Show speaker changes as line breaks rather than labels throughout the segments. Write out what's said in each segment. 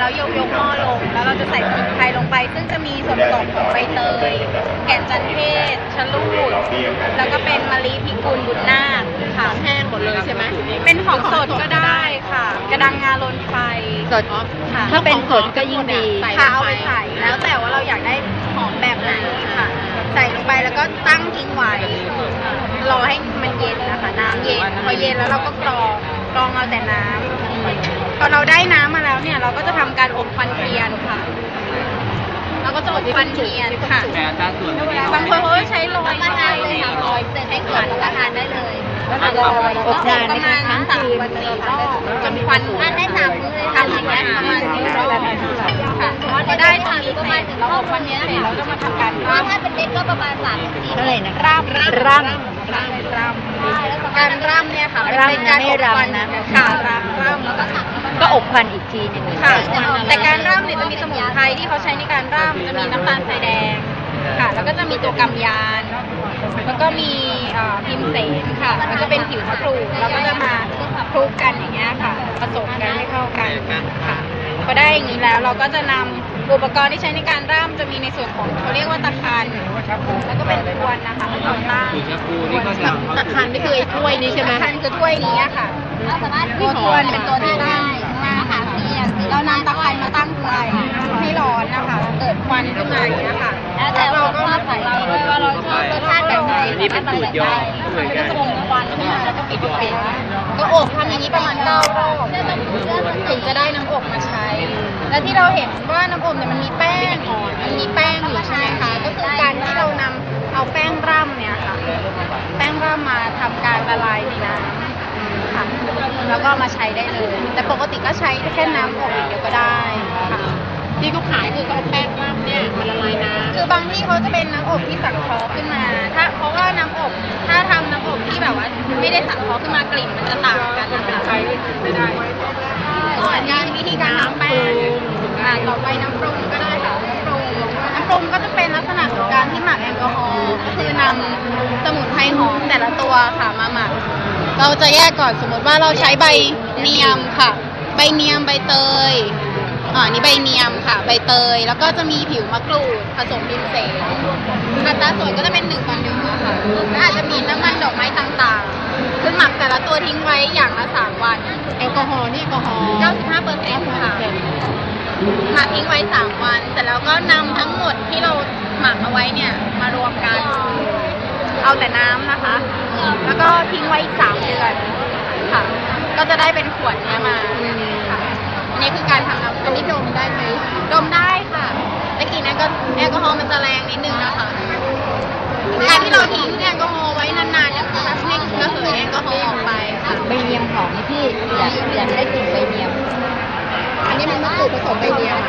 แล้วยกหม้อลงแล้วเราจะใส่สมุนไพรลงไปซึ่งจะมีส่วนผสมของใบเตยแก่นจันเทศชะลูดแล้วก็เป็นมะลิพิกุลบุญนาคค่ะ
แห้งหมดเลยใช่ไหม
เป็นของสดก็ได้ค่ะกระดังงาลนไฟ
สด
ค่ะ
ถ้าเป็นสดก็ยิ่งดี
ค่ะเอาไปใส่แล้วแต่ว่าเราอยากได้หอมแบบไหนค่ะใส่ลงไปแล้วก็ตั้งทิ้งไว้รอให้มันเย็นนะคะน้ำเย็นพอเย็นแล้วเราก็กรองเอาแต่น้ำพอเราได้น้ำมาแล้วเนี่ยเราก็จะทำการอบควันเทียนค่ะเราก็จะอบควันเทียนค่ะบางคนเขาใช้ลอยก็ได้เลยค่ะลอยเสร็จให้เกิดแล้วก็ทานได้เลย
แล้วเราอบนานประมาณ
3 วัน 4 รอบจนควันทานได้3 มื้อเลยทำอย่างเงี้ยประมาณ4 รอบค่ะพอได้ทานก็มาถึงเราอบควันเทียนเสร็จเราก็มาทำการร่ำถ้าเป็นเด็กก็ประมาณ3-4
เท่าไหร่นะ
ร่ำการร่ำเนี่ยค่ะเป็นการอบควันนะค่ะร่ำแล้วก็
ก็อบควันอีกทีนึง
ค่ะแต่การร่ำเนี่ยจะมีสมุนไพรที่เขาใช้ในการร่ำจะมีน้ำตาลทรายแดงค่ะแล้วก็จะมีตัวกำยานแล้วก็มีพิมเสนค่ะแล้วก็เป็นผิวมะกรูดแล้วก็จะมาคลุกกันอย่างเงี้ยค่ะผสมกันให้เข้ากันค่ะพอได้อย่างนี้แล้วเราก็จะนำอุปกรณ์ที่ใช้ในการร่ำจะมีในส่วนของเขาเรียกว่าตะคันแล้วก็เป็นพวนนะคะต่อต้าน
ตะคันนี่คือไอ้ถ้วยนี้ใช่ไหม
ตะคันคือถ้วยนี้ค่ะตัวพวนเป็นตัวที่ตั้งนะคะเรานำตะคันมาตั้งไฟให้ร้อนนะคะเกิดควันขึ้นมาอย่างเงี้ยค่ะแล้วเราก็มาใส่เราว่าเราชอบรสชาติแบบไหนนี่เป็นสูตรย่อมันก็จะลงควันขึ้นมาแล้วก็ปิดไฟก็อบทำอย่างนี้ประมาณ9 รอบถึงจะได้น้ำอบมาใช้และที่เราเห็นว่าน้ำอบเนี่ยมันมีแป้งอยู่ใช่ไหมคะก็คือการที่เรานำเอาแป้งร่ำเนี่ยค่ะแป้งร่ำมาทำการละลายในน้ำค่ะแล้วก็มาใช้ได้เลยแต่ปกติก็ใช้แค่น้ำอบอย่างเดียวก็ได้ค่ะ
ที่เขาขายคือเขาเอาแป้งร่ำเนี่ยมาละลายน้ำ
คือบางที่เขาจะเป็นน้ำอบที่สังเคราะห์ขึ้นมาเพราะว่าน้ำอบถ้าทำน้ำอบที่แบบว่าไม่ได้สังเคราะห์ขึ้นมากลิ่นมันจะต่างกันนะคะ
ใช้ไม่ได้
อันนี้วิธีการทำแป้งต่อไปน้ำปรุงก็ได้ค่ะน้ำปรุงก็จะเป็นลักษณะของการที่หมักแอลกอฮอล์ก็คือนำสมุนไพรหอมแต่ละตัวค่ะมาหมักเราจะแยกก่อนสมมติว่าเราใช้ใบเนียมค่ะใบเนียมใบเตยนี่ใบเนียมค่ะใบเตยแล้วก็จะมีผิวมะกรูดผสมพิมเสนอัตราส่วนก็จะเป็น1:1ค่ะแล้วอาจจะมีน้ำมันดอกไม้ต่างๆคือหมักแต่ละตัวทิ้งไว้อย่างละ3 วัน
แอลกอฮอล์นี่แอลกอฮอล์
95%ค่ะหมักทิ้งไว้3 วันเสร็จแล้วก็นำทั้งหมดที่เราหมักเอาไว้เนี่ยมารวมกันเอาแต่น้ำนะคะแล้วก็ทิ้งไว้อีก3 เดือนค่ะก็จะได้เป็นขวดนี้มาค่ะนี่คือการทำน้ำอันนี้ดมได้ไหมดมได้ค่ะแต่กลิ่นแอลกอฮอล์มันจะแรงนิดนึงนะคะการที่เราทิ้งแอลกอฮอล์ไว้นานๆเนี่ยมันให้ระเหยแอลกอฮอล์ออกไปค่ะ
ใบเนียมหอมนี่พี่อยากได้กลิ่นใบเนียมอันนี้มันมะกรูดผสมใบเนียม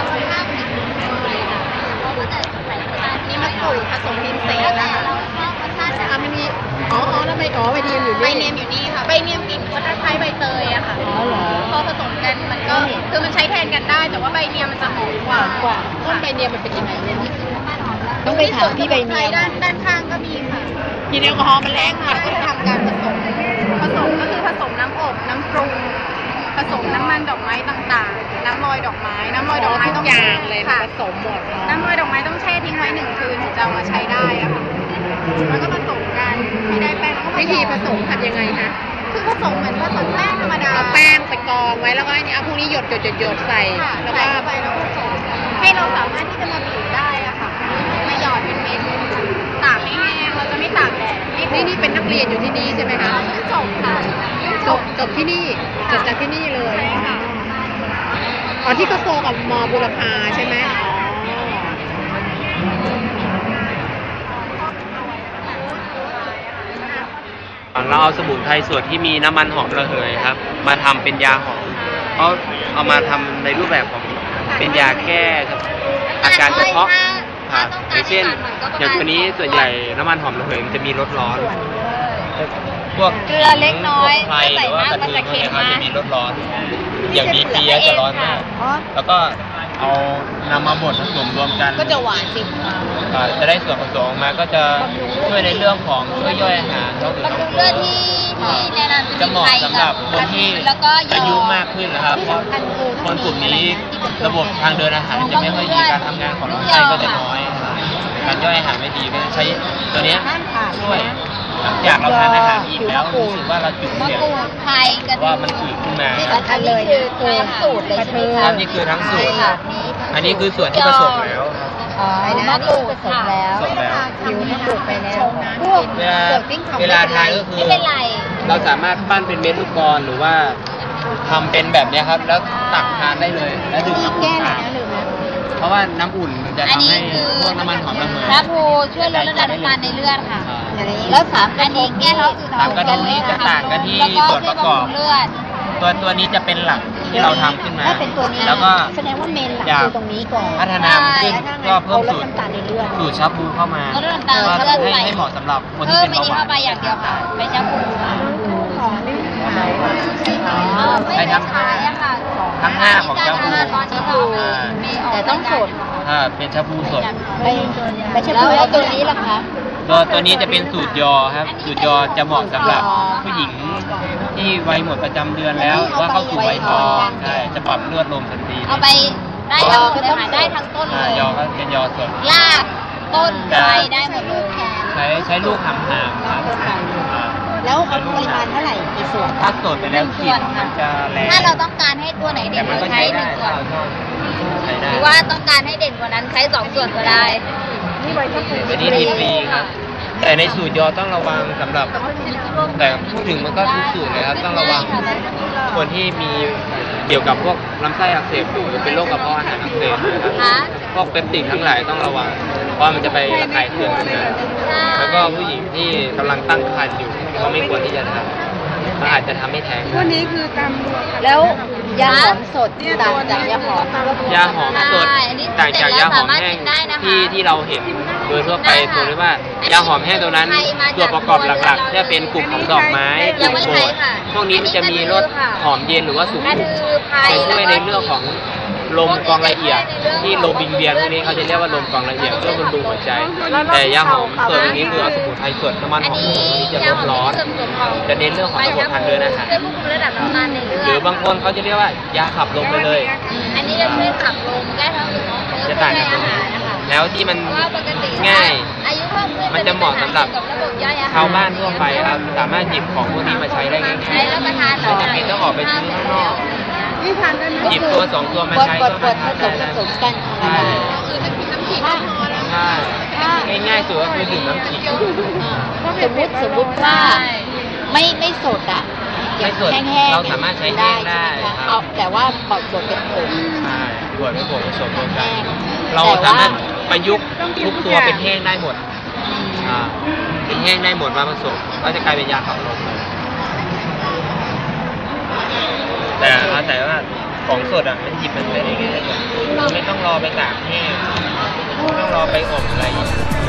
นี่มะกรูดผสมพิมเสนนะคะ
มันมีแล้วใบเนียมอยู่นี่
ใบเนียมอยู่นี่ค่ะใบเนียมกลิ่นก็คล้ายใบเตยอะค่ะพอผสมกันมันก็คือมันใช้แทนกันได้แต่ว่าใบเนียมมันจะหอมกว่า
ต้นใบเนียมมันเป็นยังไงเนี่ยต้องไปถามพี่ใบเนียม
ด้านข้างก็มีค่ะ
กินแอลกอฮอล์มันแรงค่ะ
ก็จะทำการผสมก็คือผสมน้ำอบน้ำปรุงผสมน้ำมันดอกไม้ต่างๆน้ำลอยดอกไม้
ต้องอย่างเลยผสมหมด
น้ำลอยดอกไม้ต้องแช่ทิ้งไว้1 คืนถึงจะเอามาใช้ได้อะค่ะแล้วก็ผสมกันให้ได้แป้ง
วิธีผสมทำยังไงคะ
คือผสมเหมือนผสมแป้งธรรมดา
เอาแป้งไปกองไว้แล้วก็เอาพวกนี้หยดใส่
แล้วก็ไปแล้วผสมให้เราสามารถที่จะมาบีบได้อะค่ะมาหยอดเป็นเม็ดตากไม่แห้งเราจะไม่ตากแดด
นี่เป็นนักเรียนอยู่ที่นี่ใช่ไหมคะ
จบค่ะ
จบที่นี่จบจากที่นี่เลย
ใช่ค่ะ
ที่เขาโซกับม.บุรพาใช่ไหม
เราเอาสมุนไพรส่วนที่มีน้ำมันหอมระเหยครับมาทำเป็นยาหอมเอามาทำในรูปแบบของเป็นยาแก้อาการเฉพาะอย่างเช่นอย่างตัวนี้ส่วนใหญ่น้ำมันหอมระเหยมันจะมีรสร้อนพวก
เกลือเล็กน้อย
ไทยหรือว่ากระเทียมเนี่ยเขาจะมีรสร้อนอย่างดีเปียจะร้อนมากแล้วก็เอานำมาบดผสมรวมกัน
ก็จะหวานจริง
จะได้ส่วนผสมออกมาก็จะช่วยในเรื่องของช่วยย่อยอาหาร
บำรุงเลือดที่ที่แนะนำ
จะเหมาะสำหรับคนที่
แล้วก็ยอ
อายุมากขึ้นนะครับเพราะคนกลุ่มนี้ระบบทางเดินอาหารจะไม่ค่อยดีการทำงานของลำไส้ก็จะน้อยการย่อยอาหารไม่ดีก็ใช้ตัวเนี้ยช่วยหลังจากเราทานอาหารอิ่มแล้วรู้สึกว่าเราจุก
มะ
เสียด
กรูดไทยกระดู
ว่าก มันอืดขึ้นมา
อันนี้คือทั้งสูตรเลยใช่ไหมคะ
อันนี้คือทั้งสูตรอันนี้คือส่วนที่ผสมแล้วครับ
อ๋อมะกรูดผสมแล้ว
ผสมแล้ว
ผิวมะกรูดไปแล้วพวก
เวลาทานก็คือ
ไม่เป็นไร
เราสามารถปั้นเป็นเม็ดลูกกลอนหรือว่าทำเป็นแบบเนี้ยครับ แล้วตักทานได้เลยแล้วดื่มน้ำอุ่น
แก้ห
ทา
นะ
น
ลืมนะ
เพราะว่าน้ำอุ่นมันจะ
อัน
ทำ
นี้
ให้
คือ
พวกน้ำมันหอมระเหย
พระภูช่วยลดระดับน้ำตาลในเลือดค่ะ
แล้วสาม
อันนี้แก้ท้องอืด
สามกระดูกนี้จะต่างกันที่
แล้วก็
ส่วนประกอบ
ช่วยบำรุงเลือด
ตัวนี้จะเป็นหลักที่เราทำขึ้นมา
ถ้าเป็นตัวนี้
แล้วก็
แสดงว่าเมนหลัก
อยาก
คือตรงนี้ก่อน
พัฒนามันขึ้นก็เพิ่ม
ลด
สูตร
น้ำตาลในเลือด
สูตรชาบูเข้ามา
ลดน้ำตาล
ก็
เลือด
ให้เหมาะสำหรับคนที่
เพิ่ม
เป็น
ไม่
เบาหวา
นี้เข้าน ไปอย่างเดียวค่ะไปแชมพูค่ะ ไม่ได้ขายอะค่ะ
ทั้งห้าของเจ้าบู
ตอนนี้เราไม่ออก
แต่ต้องสด
เป็นชาบูสด
ไม่ใช่พูดแล้วตัวนี้ล่ะคะ
ตัวนี้จะเป็นสูตรยอครับ สูตรยอจะเหมาะสำหรับผู้หญิงที่วัยหมดประจำเดือนแล้วหรือว่าเข้าสู่วัยทองใช่จะปรับเลือดลมทันที
เอาไปได้ทั้งหมดเลยค่ะได้ทั้งต้นเลย
ยอก็เป็นยอสด
รากต้นใบได้หมดเลย
ใช้ลูกหำครับ
แล้วเอาปริมาณเท่าไหร่กี่ส่วน
ถ้าสดไปแล้วกลิ่นมันจะแรง
ถ้าเราต้องการให้ตัวไหนเด่
แต่
น
มันก็
ใช้
ใช้
ห
ได้
นึ่งส่วน
ใช้ได้
หรือว่าต้องการให้เด่นกว่านั้นใช้สองส่วนก็ได้
อันนี้ผิดฟรีครับ แต่ในสูตรยอต้องระวังสำหรับ แต่พูดถึงมันก็ทุกสูตรเลยครับต้องระวังคนที่มีเกี่ยวกับพวกลำไส้อักเสบอยู่หรือเป็นโรคกระเพาะอาหารอักเสบนะครับ
คะ
พวกเปปติดทั้งหลายต้องระวัง เพราะมันจะไประคายเคืองขึ้นมาแล้วก็ผู้หญิงที่กำลังตั้งครรภ์อยู่ก็ไม่ควรที่จะทำมันอาจจะทำให้แท้งได้
วันนี้คือตาม
แล้วยาหอมสดต่างจากยาหอม
ยาหอมสดต่างจากยาหอมแห้งที่เราเห็นโดยทั่วไปตัวนี้ว่ายาหอมแห้งตัวนั้นตัวประกอบหลักๆจะเป็นกลุ่มของดอกไม้กลุ่มโกรดพวกนี้มันจะมีรสหอมเย็นหรือว่าสุ
นั่น
ขุม
คือไพร
จะช่วยในเรื่องของลมกรองละเอียดที่ลมวิงเวียนพวกนี้เขาจะเรียกว่าลมกรองละเอียดเพื่อบำรุงหัวใจ แต่ยาหอมส่วนนี้คือเอาสมุนไพรสดน้ำมัน
อัน
หอม
นี้
ตัวนี้จะ
ยา
ล
ห
ด
อม
ร้อน
เสริมส่วนของ
จะเน้นเรื่องของระบบทางเดินอาหาร
ช่วยควบคุมระดับน้ำตาลในเลือด
หรือบางคนเขาจะเรียกว่ายาขับลมไปเลย
อันนี้จะช่วยขับลมแก้ท้องอืดของเพิ่ม
จะต่างกันตรง
อา
นี้
หารนะคะ
แล้วที่มัน
เพราะว่าปกติ
ง่าย
อายุเพิ่มขึ้น
มันจะเหมาะสำหรับ
กับระบบย่อยอาหาร
ชาวบ้านทั่วไปครับสามารถหยิบของพวกนี้มาใช้ได้ง่าย
ใช้แล้วประทาน
ๆไม่จำเป็นต้องออกไปซื้อข้างนอก
นี่ทานได้ไหม
หยิบตัวสองตัวมาใช้
ก
ก็
ด
มา
ผ
ทาน
ส
ได้
ม
แล้ว
กัน
ใช่
ถ้า
ใช่ง่ายๆสุดก็คือดื่มน้ำขิง
สมมุติว่าไม่สดอ่ะ
ไม่สด
แห้งๆ
เราสามารถใช้แห้งได้
ใช่ไหมคะ
ครับ
เอาแต่ว่าบดเป็นผง
ใช่บวชเป็นผงผสมรวมกัน
แห้ง
เรา
แต่ว่า
สามารถประยุกต์ทุกตัวเป็นแห้งได้หมดเป็นแห้งได้หมดมาผสมก็จะกลายเป็นยาขับลมแต่ว่าของสดอ่ะมันหยิบมันใช้ได้ง่ายกว่าไม่ต้องรอไปตากแห้งไม่ต้องรอไปอบอะไรอย่างเงี้ย